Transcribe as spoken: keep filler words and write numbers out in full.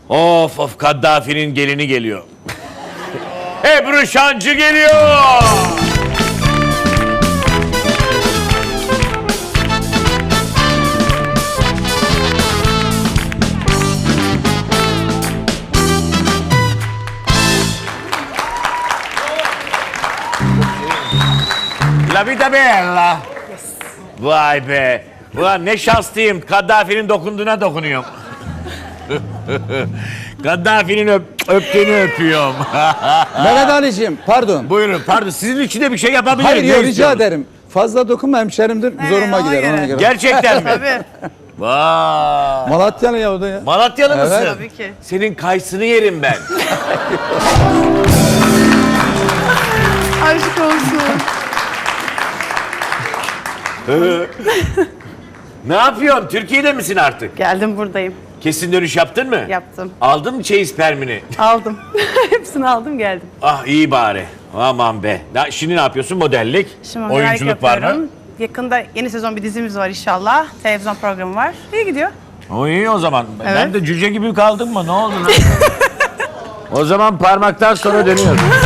Of of, Kaddafi'nin gelini geliyor. Ebru Şancı geliyor. La vita bella. Vay be. Ulan ne şanslıyım. Kaddafi'nin dokunduğuna dokunuyorum. Kaddafi'nin öp, öptüğünü öpüyorum. Mehmet Ali'ciğim pardon. Buyurun, pardon. Sizin için de bir şey yapabilirim. Hayır Ne yok, rica istiyorsunuz? ederim. Fazla dokunma, hemşerimdir. Zoruma ona gider göre. ona göre. Gerçekten mi? Tabii. Vay. Malatyalı ya o da ya. Malatyalı mısın? Evet. Tabii ki. Senin kayısını yerim ben. Aşk olsun. Ne yapıyorsun? Türkiye'de misin artık? Geldim buradayım. Kesin dönüş yaptın mı? Yaptım. Aldın mı çeyiz permini? Aldım. Hepsini aldım geldim. Ah iyi bari. Aman be. Na- Şimdi ne yapıyorsun? Modellik, Şimdi merak oyunculuk var mı? yapıyorum. Yakında yeni sezon bir dizimiz var inşallah. Televizyon programı var. İyi gidiyor. O iyi o zaman. Ben Evet. de cüce gibi kaldım mı? Ne oldu lan? O zaman parmaktan sonra dönüyoruz.